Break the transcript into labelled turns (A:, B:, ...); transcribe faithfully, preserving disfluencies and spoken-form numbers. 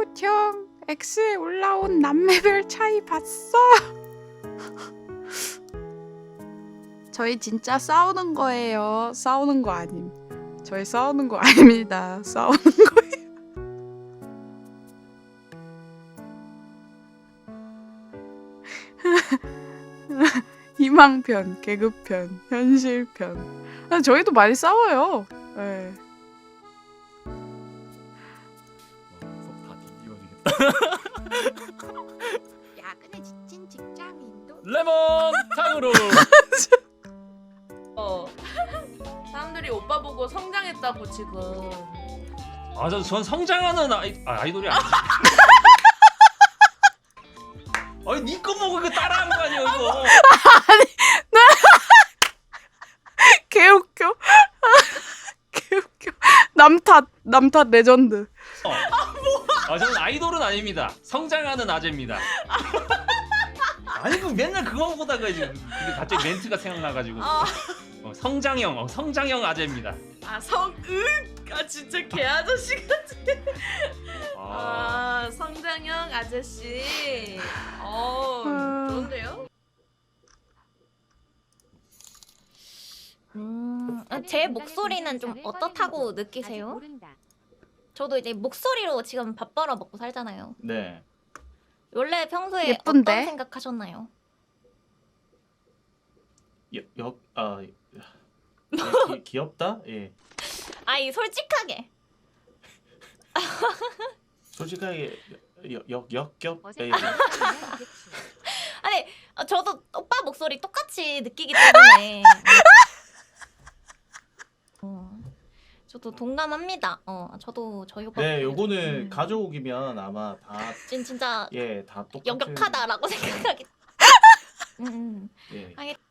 A: 형, X에 올라온 남매별 차이 봤어? 저희 진짜 싸우는 거예요. 싸우는 거 아님. 저희 싸우는 거 아닙니다. 싸우는 거예요. 희망편, 개그편, 현실편. 아, 저희도 많이 싸워요. 네.
B: 속다 뒤집어지겠다.
A: 야근에 지친 직장인도
B: 레몬 탕으로.
C: 어. 사람들이 오빠 보고 성장했다고 지금.
B: 아전 전 성장하는 아이 아, 아이돌이 아니지. 아니 니꺼 보고 그거 따라한 거 아니야 이거.
A: 개웃겨. 개웃겨. 남탓, 남탓 레전드.
B: 어. 아 저는 아이돌은 아닙니다. 성장하는 아재입니다. 아니 그 맨날 그거 보다가 이제 그게 갑자기 멘트가 생각나가지고.
C: 아,
B: 어, 성장형, 어, 성장형 아재입니다.
C: 아 성, 응, 아 진짜 개 아저씨 같아.
B: 아,
C: 아, 성장형 아저씨. 어,
A: 아.
C: 좋은데요?
D: 음, 아, 제 목소리는 좀 어떻다고 느끼세요? 저도 이제 목소리로 지금 밥 벌어 먹고 살잖아요.
B: 네.
D: 원래 평소에
A: 예쁜데?
D: 어떤 생각하셨나요?
E: 역아 귀엽다? 예.
D: 아이 솔직하게.
E: 솔직하게 역 역겹. 예.
D: 아니 어, 저도 오빠 목소리 똑같이 느끼기 때문에. 어, 저도 동감합니다. 어, 저도 저희 오빠.
E: 네, 요거는
D: 음.
E: 가족이면 아마 다
D: 진 진짜
E: 예, 다 똑같은.
D: 역력하다라고 생각하기. 음, 음.
E: 예.
D: 하겠.